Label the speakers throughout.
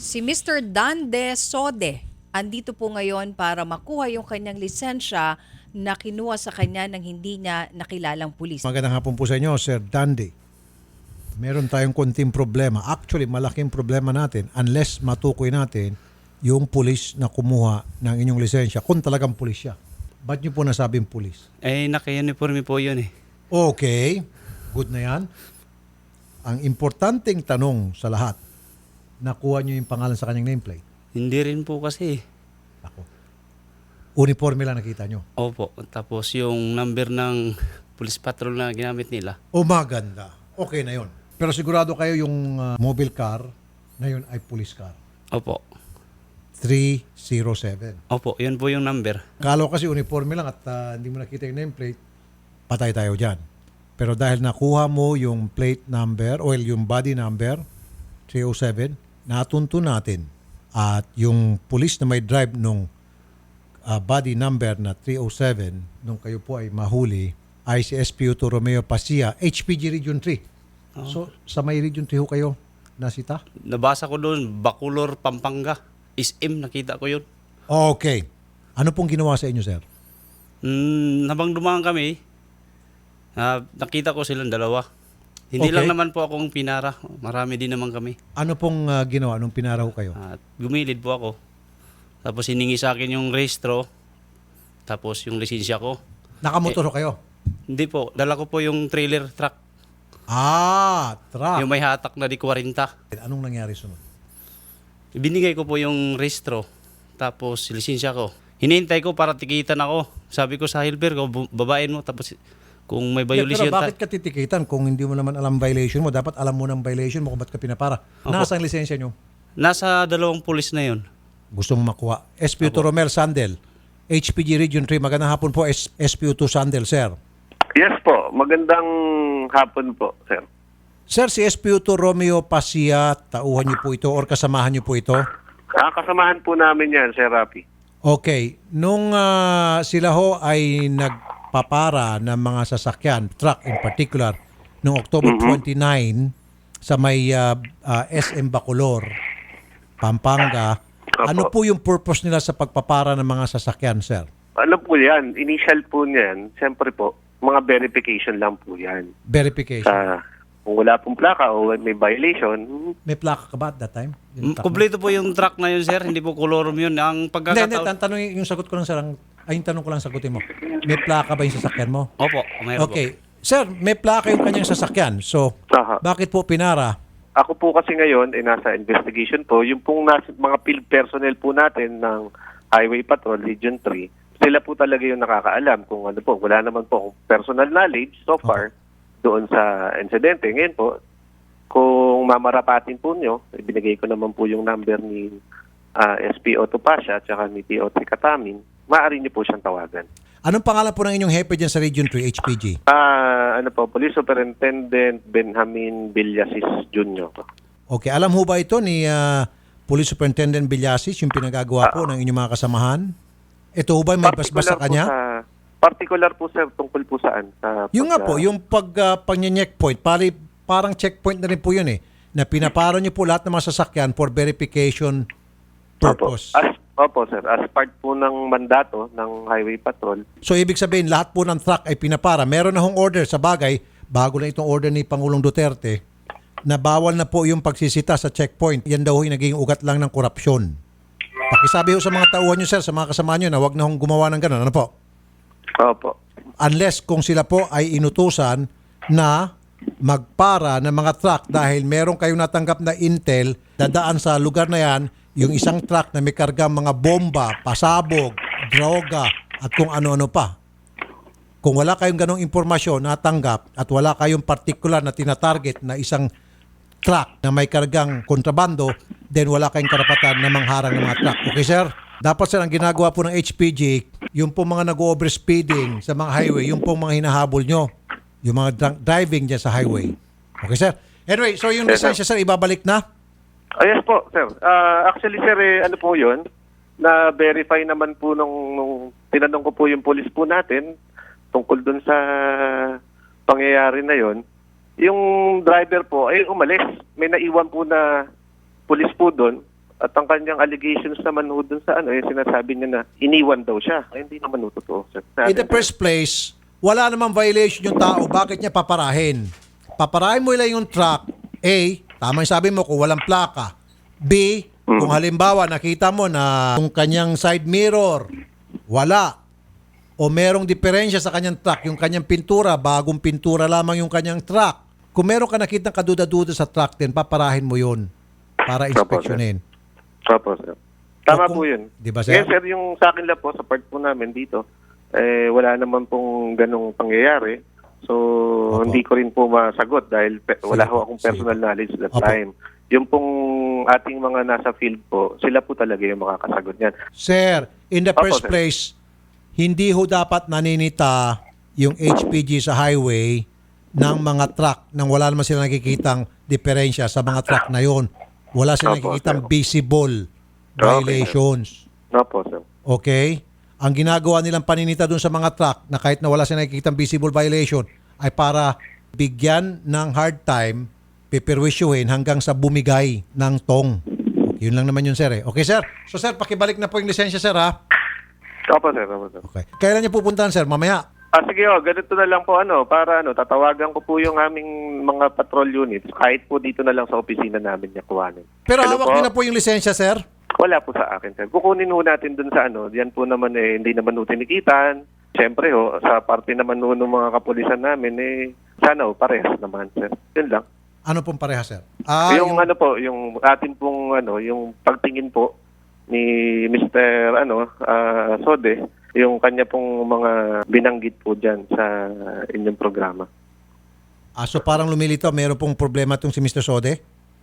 Speaker 1: Si Mr. Dande Sode, andito po ngayon para makuha yung kanyang lisensya na kinuha sa kanya ng hindi niya nakilalang pulis.
Speaker 2: Magandang hapon po sa inyo, Sir Dandy. Meron tayong konting problema. Actually, malaking problema natin unless matukoy natin yung pulis na kumuha ng inyong lisensya. Kung talagang pulis siya. Ba't niyo po nasabing pulis?
Speaker 3: Naka-uniforme po yun eh.
Speaker 2: Okay, good na yan. Ang importanteng tanong sa lahat, nakuha niyo yung pangalan sa kanyang nameplate?
Speaker 3: Hindi rin po kasi.
Speaker 2: Ako. Uniforme lang nakita niyo?
Speaker 3: Opo. Tapos yung number ng police patrol na ginamit nila.
Speaker 2: O maganda. Okay na yon. Pero sigurado kayo yung mobile car na yun ay police car.
Speaker 3: Opo.
Speaker 2: 307.
Speaker 3: Opo, yun po yung number.
Speaker 2: Kalo kasi uniforme lang at hindi mo nakita yung nameplate, patay tayo dyan. Pero dahil nakuha mo yung plate number o yung body number, 307, natunto natin. At yung police na may drive nung body number na 307, nung kayo po ay mahuli, ay si SPU2 Romeo Pasia, HPG Region 3. So, sa may Region 3 ho kayo nasita?
Speaker 3: Nabasa ko doon, Bacolor, Pampanga. SM, nakita ko yun.
Speaker 2: Okay. Ano pong ginawa sa inyo, sir?
Speaker 3: Habang dumaan kami, nakita ko silang dalawa. Hindi
Speaker 2: Okay.
Speaker 3: lang naman po akong pinara. Marami din naman kami.
Speaker 2: Ano pong ginawa nung pinaraw kayo?
Speaker 3: At gumilid po ako. Tapos hiningi sa akin yung rehistro. Tapos yung lisensya ko.
Speaker 2: Nakamotor ho kayo?
Speaker 3: Hindi po, dala ko po yung trailer truck.
Speaker 2: Truck.
Speaker 3: Yung may hatak na di 40.
Speaker 2: Anong nangyari sunod?
Speaker 3: Binigay ko po yung rehistro. Tapos lisensya ko. Hinihintay ko para tikitan ako. Sabi ko sa helper ko, babain mo. Tapos kung may violation.
Speaker 2: Pero bakit ka titikitan kung hindi mo naman alam violation mo? Dapat alam mo ng violation mo kung ba't ka pinapara.
Speaker 3: Opo.
Speaker 2: Nasaan ang lisensya nyo?
Speaker 3: Nasa dalawang pulis na yun.
Speaker 2: Gusto mo makuha. SPU2 Romel Sandel, HPG Region 3. Magandang hapon po, SPU2 Sandel, sir.
Speaker 4: Yes po, magandang hapon po, sir.
Speaker 2: Sir, si SPU2 Romeo Pasia, tauhan niyo po ito or kasamahan niyo po ito?
Speaker 4: Kasamahan po namin yan, Sir Rapi.
Speaker 2: Okay. Nung sila ho ay nagpapara ng mga sasakyan, truck in particular, noong October 29 sa may SM Bacolor, Pampanga,
Speaker 4: Opo.
Speaker 2: ano po yung purpose nila sa pagpapara ng mga sasakyan, sir?
Speaker 4: Ano po yan? Initial po niyan, siyempre po, mga verification lang po yan.
Speaker 2: Verification.
Speaker 4: Kung wala pong plaka o may violation,
Speaker 2: May plaka ka ba at that time? Yung truck mo?
Speaker 3: Kompleto po yung truck na yun, sir. Hindi po colorum yun. Ang
Speaker 2: Hindi,
Speaker 3: pagkakataon.
Speaker 2: tanong yung sagot ko lang, sir. Yung tanong ko lang sagutin mo. May plaka ba yung sasakyan mo?
Speaker 3: Opo, mayroon po.
Speaker 2: Okay. Sir, may plaka yung kanyang sasakyan. So,
Speaker 4: Aha.
Speaker 2: bakit po pinara?
Speaker 4: Ako po kasi ngayon ay nasa investigation po. Yung pong mga field personnel po natin ng Highway Patrol, Region 3, sila po talaga yung nakakaalam kung ano po. Wala naman po akong personal knowledge so far doon sa insidente. Ngayon po, kung mamarapatin po nyo, ibinigay ko naman po yung number ni SPO Topasya at saka ni PO3 Katamin, maaari nyo po siyang tawagan.
Speaker 2: Anong pangalan po ng inyong hepe dyan sa Region 3, HPG?
Speaker 4: Police Superintendent Benjamin Villasis Jr.
Speaker 2: Okay, alam ho ba ito ni Police Superintendent Villasis, yung pinagagawa po ng inyong mga kasamahan? Ito ho ba may basbas sa kanya?
Speaker 4: Particular po, sir, tungkol po saan?
Speaker 2: Yung nga po, yung pag-checkpoint, parang checkpoint na rin po yun eh, na pinaparo niyo po lahat ng mga sasakyan for verification purpose.
Speaker 4: Opo, sir. As part po ng mandato ng Highway Patrol.
Speaker 2: So, ibig sabihin, lahat po ng truck ay pinapara. Meron na hong order sa bagay, bago lang itong order ni Pangulong Duterte, na bawal na po yung pagsisita sa checkpoint. Yan daw yung naging ugat lang ng korupsyon. Pakisabi ho sa mga tauhan nyo, sir, sa mga kasama nyo na wag na hong gumawa ng gano'n. Ano po?
Speaker 4: Opo.
Speaker 2: Unless kung sila po ay inutusan na magpara ng mga truck dahil meron kayong natanggap na intel, dadaan sa lugar na yan, yung isang truck na may kargang mga bomba, pasabog, droga, at kung ano-ano pa. Kung wala kayong ganong impormasyon natanggap at wala kayong particular na tinatarget na isang truck na may kargang kontrabando, then wala kayong karapatan na mangharang ng mga truck. Okay, sir? Dapat, sir, ang ginagawa po ng HPG, yung po mga nag-overspeeding sa mga highway, yung po mga hinahabol nyo, yung mga driving dyan sa highway. Okay, sir? Anyway, so yung
Speaker 4: Yes, sir.
Speaker 2: lisensya, sir, ibabalik na?
Speaker 4: Yes po, sir. Actually, sir, ano po yun? Na-verify naman po nung tinanong ko po yung police po natin tungkol dun sa pangyayari na yon. Yung driver po ay umalis. May naiwan po na police po doon. At ang kanyang allegations naman ho dun sa yung sinasabi niya na iniwan daw siya. Ay, hindi naman ho totoo, sir.
Speaker 2: In the first place, wala namang violation yung tao. Bakit niya paparahin? Paparahin mo lang yung truck. A, tama yung sabi mo kung walang plaka. B, kung halimbawa nakita mo na yung kanyang side mirror, wala. O merong diferensya sa kanyang truck, yung kanyang pintura, bagong pintura lamang yung kanyang truck. Kung meron ka nakitang kaduda-duda sa truck din, paparahin mo yun para inspeksyonin.
Speaker 4: Opo, sir. Tama
Speaker 2: O kung-
Speaker 4: po yun.
Speaker 2: Di ba, sir?
Speaker 4: Yes, sir, yung sa akin lang po, sa part po namin dito, wala naman pong ganong pangyayari. So,
Speaker 2: Opo.
Speaker 4: hindi ko rin po masagot dahil wala
Speaker 2: Sige
Speaker 4: ho
Speaker 2: po,
Speaker 4: akong
Speaker 2: sige
Speaker 4: personal
Speaker 2: po.
Speaker 4: knowledge that
Speaker 2: Opo.
Speaker 4: time. Yung pong ating mga nasa field po, sila po talaga yung makakasagot niyan.
Speaker 2: Sir, in the
Speaker 4: Opo,
Speaker 2: first
Speaker 4: sir.
Speaker 2: place, hindi ho dapat naninita yung HPG sa highway ng mga truck nang wala naman sila nakikitang diferensya sa mga truck na yon. Wala sila
Speaker 4: Opo,
Speaker 2: nakikitang
Speaker 4: sir.
Speaker 2: visible violations.
Speaker 4: Opo, sir.
Speaker 2: Okay? Ang ginagawa nilang paninita dun sa mga truck na kahit na wala sila nakikitang visible violation ay para bigyan ng hard time, pipirwisyuhin hanggang sa bumigay ng tong. Okay, yun lang naman yun, sir. Okay, sir? So, sir, pakibalik na po yung lisensya, sir, ha?
Speaker 4: Opo, sir. Opo, sir.
Speaker 2: Okay. Kailan niyo pupuntahan, sir? Mamaya.
Speaker 4: Sige, ganito na lang po para tatawagan ko po yung aming mga patrol units kahit po dito na lang sa opisina namin niya kuhanin.
Speaker 2: Pero
Speaker 4: Ano
Speaker 2: hawak
Speaker 4: po?
Speaker 2: niyo na po yung lisensya, sir?
Speaker 4: Wala po sa akin, sir. Kukunin ho natin dun sa yan po naman hindi naman ho tinikitan. Siyempre sa parte naman ho ng mga kapulisan namin sana parehas naman, sir. Yun lang.
Speaker 2: Ano pong pareha, sir?
Speaker 4: yung yung atin pong yung pagtingin po ni Mr. Sode, yung kanya pong mga binanggit po diyan sa inyong programa.
Speaker 2: So parang lumilitaw, meron pong problema itong si Mr. Sode?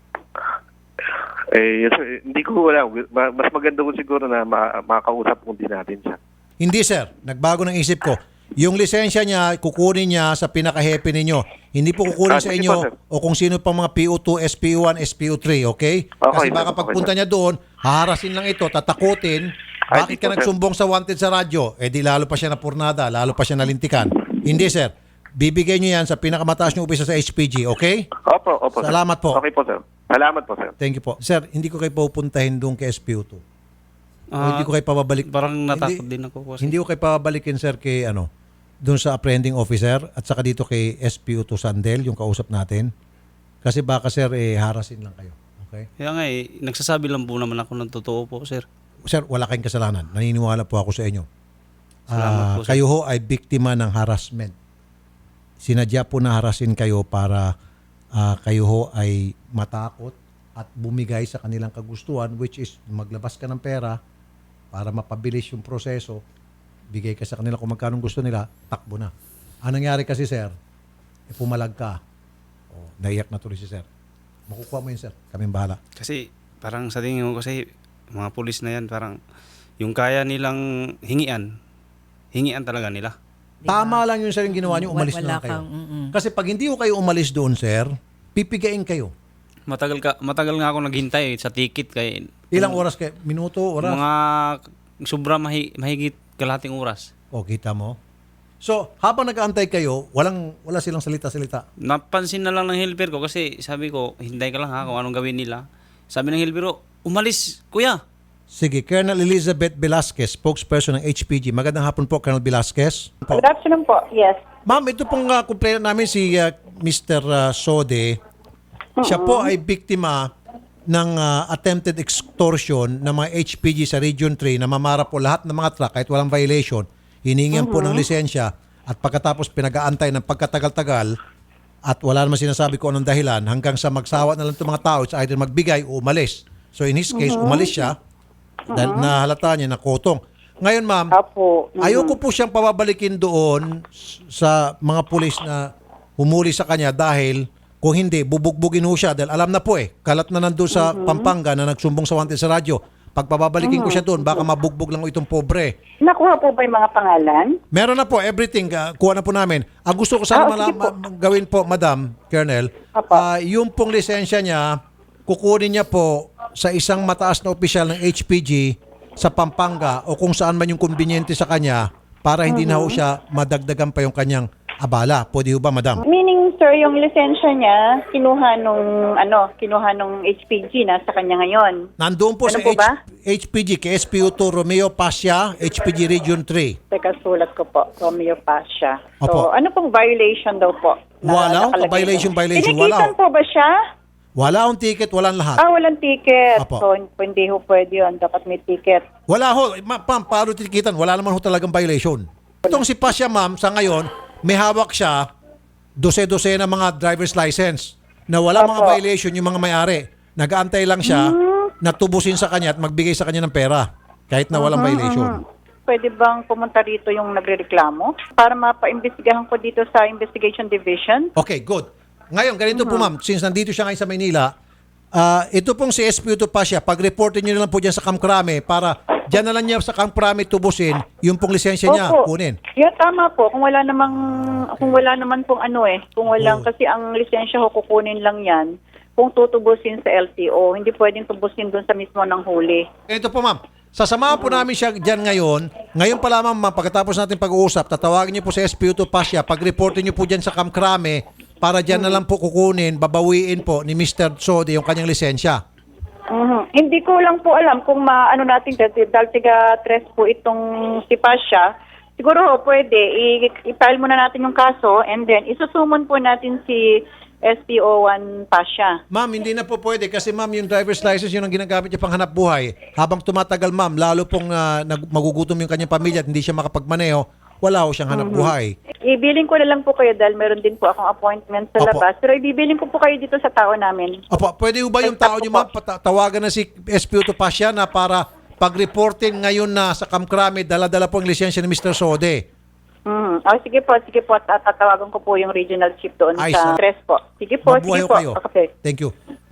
Speaker 4: Hindi ko wala. Mas maganda ko siguro na makausap po din natin siya.
Speaker 2: Hindi, sir. Nagbago ng isip ko. Yung lisensya niya, kukunin niya sa pinaka-happy ninyo. Hindi po kukunin sa
Speaker 4: sige
Speaker 2: inyo
Speaker 4: po, sir.
Speaker 2: o kung sino pang mga PO2, SPO1, SPO3, okay? Kasi
Speaker 4: Okay,
Speaker 2: baka
Speaker 4: sir.
Speaker 2: pagpunta niya doon, haharasin lang ito, tatakutin.
Speaker 4: Ay,
Speaker 2: Bakit
Speaker 4: di
Speaker 2: ka
Speaker 4: po, sir.
Speaker 2: nagsumbong sa wanted sa radyo? Di lalo pa siya napurnada, lalo pa siya nalintikan. Hindi, sir. Bibigay niyo yan sa pinakamataas niyo upisa sa HPG, okay?
Speaker 4: Opo, sir.
Speaker 2: Salamat po.
Speaker 4: Okay po, sir. Salamat po, sir.
Speaker 2: Thank you po. Sir, hindi ko kayo pupuntahin doon kay SPO2. O hindi ko kayo pababalik.
Speaker 3: Parang natakot
Speaker 2: Hindi-
Speaker 3: din ako kasi.
Speaker 2: Hindi ko kayo pababalikin, sir, kay doon sa apprehending officer at saka dito kay SPO2 Sandel, yung kausap natin. Kasi baka, sir, harasin lang kayo. Okay?
Speaker 3: Kaya nga nagsasabi lang po naman ako ng totoo po, sir.
Speaker 2: Sir, wala kayong kasalanan. Naniniwala po ako sa inyo.
Speaker 3: Salamat po, sir.
Speaker 2: Kayo ho ay biktima ng harassment. Sinadya po na harasin kayo para kayo ho ay matakot at bumigay sa kanilang kagustuhan, which is maglabas ka ng pera para mapabilis yung proseso, bigay ka sa kanila kung magkano gusto nila, takbo na. Ang nangyari kasi, sir, pumalag ka. Naiyak na tuloy si sir. Makukuha mo yun, sir. Kaming bahala.
Speaker 3: Kasi parang sa tingin ko kasi mga pulis na yan parang yung kaya nilang hingian talaga nila.
Speaker 2: Tama lang yun, sir, yung ginawa niyo, umalis na
Speaker 1: Wala
Speaker 2: lang kayo.
Speaker 1: kang,
Speaker 2: Kasi pag hindi ko kayo umalis doon, sir, pipigain kayo.
Speaker 3: Matagal nga ako naghintay sa ticket kay
Speaker 2: Ilang oras kayo? Minuto, oras?
Speaker 3: mga sobra mahigit kalahating oras.
Speaker 2: O, kita mo? So, habang nag-aantay kayo, wala silang salita-salita.
Speaker 3: Napansin na lang ng helper ko kasi sabi ko, hintay ka lang ha kung anong gawin nila. Sabi ng helper ko, umalis kuya.
Speaker 2: Sige, Colonel Elizabeth Velasquez, spokesperson ng HPG. Magandang hapon po, Colonel Velasquez.
Speaker 5: Good afternoon po. Yes.
Speaker 2: Ma'am, ito pong complainant namin si Mr. Sode. Siya po ay biktima ng attempted extortion ng mga HPG sa Region 3 na mamara po lahat ng mga truck kahit walang violation. Hiningan po ng lisensya at pagkatapos pinag-aantay ng pagkatagal-tagal at wala naman sinasabi ko anong dahilan hanggang sa magsawa na lang itong mga tao, it's either magbigay o umalis. So in his case, umalis siya dahil nahalata niya na kotong. Ngayon, ma'am,
Speaker 5: Apo.
Speaker 2: ayoko po siyang pababalikin doon sa mga pulis na humuli sa kanya dahil kung hindi, bubugbugin ho siya dahil alam na po kalat na nandun sa Pampanga na nagsumbong sa wanted sa radyo. Pag pababalikin ko siya doon, baka mabugbog lang itong pobre.
Speaker 5: Nakuha po ba yung mga pangalan?
Speaker 2: Meron na po, everything, kuha na po namin. Ang gusto ko sana
Speaker 5: sige po.
Speaker 2: gawin po, Madam Colonel,
Speaker 5: Apa.
Speaker 2: yung pong lisensya niya, kukunin niya po sa isang mataas na opisyal ng HPG sa Pampanga o kung saan man yung konbinyente sa kanya para hindi na ho siya madagdagan pa yung kanyang abala. Pwede ho ba, Madam?
Speaker 5: Meaning, sir, yung lisensya niya, kinuha nung HPG na sa kanya ngayon.
Speaker 2: Nandoon po
Speaker 5: Ano
Speaker 2: sa
Speaker 5: po ba?
Speaker 2: HPG, KSPU2 Romeo Pasha, HPG Region 3.
Speaker 5: Teka, sulat ko po, Romeo Pasha. So,
Speaker 2: Opo.
Speaker 5: ano pong violation daw po?
Speaker 2: Wala,
Speaker 5: nakalagay
Speaker 2: violation,
Speaker 5: doon?
Speaker 2: violation,
Speaker 5: Tinikitan
Speaker 2: wala.
Speaker 5: po ba siya?
Speaker 2: Wala akong ticket, walang lahat.
Speaker 5: Walang ticket.
Speaker 2: Opo.
Speaker 5: So, hindi ho pwede yun. Dapat may ticket.
Speaker 2: Wala ho, ma'am, paano titikitan? Wala naman ho talagang violation. Itong si Pasha, ma'am, sa ngayon, may hawak siya dose-dose na mga driver's license na wala mga
Speaker 5: Opo.
Speaker 2: violation yung mga may-ari. Nag-aantay lang siya na tubusin sa kanya at magbigay sa kanya ng pera kahit na walang violation.
Speaker 5: Pwede bang pumunta rito yung nagrereklamo para mapa-imbestigahan ko dito sa Investigation Division?
Speaker 2: Okay, good. Ngayon, ganito po ma'am, since nandito siya ngayon sa Maynila, ito pong si SPU2 Pasha, pag-reportin nyo na lang po dyan sa Camp Crame para dyan na lang niya sa Camp Crame tubusin yung pong lisensya niya,
Speaker 5: Opo.
Speaker 2: kunin.
Speaker 5: Yeah, tama po. Kung wala naman pong kung walang, kasi ang lisensya ko kukunin lang yan kung tutubusin sa LTO. Hindi pwedeng tubusin dun sa mismo ng huli.
Speaker 2: Ganito po ma'am, sasamahan po namin siya dyan ngayon. Ngayon pa lamang ma'am, pagkatapos natin pag-uusap, tatawagin niyo po sa SPU2 Pasha, pag-reportin niyo po dyan sa Camp Crame para dyan na lang po kukunin, babawiin po ni Mr. Sode yung kanyang lisensya.
Speaker 5: Hindi ko lang po alam kung maano natin dahil tiga-tres po itong si Pasha. Siguro pwede i-file muna natin yung kaso and then isusumon po natin si SPO1 Pasha.
Speaker 2: Ma'am, hindi na po pwede kasi ma'am, yung driver's license yun ang ginagamit niya pang hanap buhay. Habang tumatagal ma'am, lalo pong magugutom yung kanyang pamilya at hindi siya makapagmaneho, wala ho siyang hanap buhay.
Speaker 5: Ibiling ko na lang po kayo dahil meron din po akong appointment sa
Speaker 2: Opo.
Speaker 5: labas. Pero ibiling ko po kayo dito sa tao namin.
Speaker 2: Opo, pwede ho ba yung tao niyo ma'am, tawagan na si SPU2 Pasha na para pag-reportin ngayon na sa Camp Crame, dala-dala po ang lisensya ni Mr. Sode.
Speaker 5: Sige po. Tatawagan ko po yung regional chief doon
Speaker 2: Ay,
Speaker 5: sa tres po. Sige po,
Speaker 2: Mabuhay
Speaker 5: sige
Speaker 2: ho
Speaker 5: po.
Speaker 2: kayo.
Speaker 5: Okay.
Speaker 2: Thank you.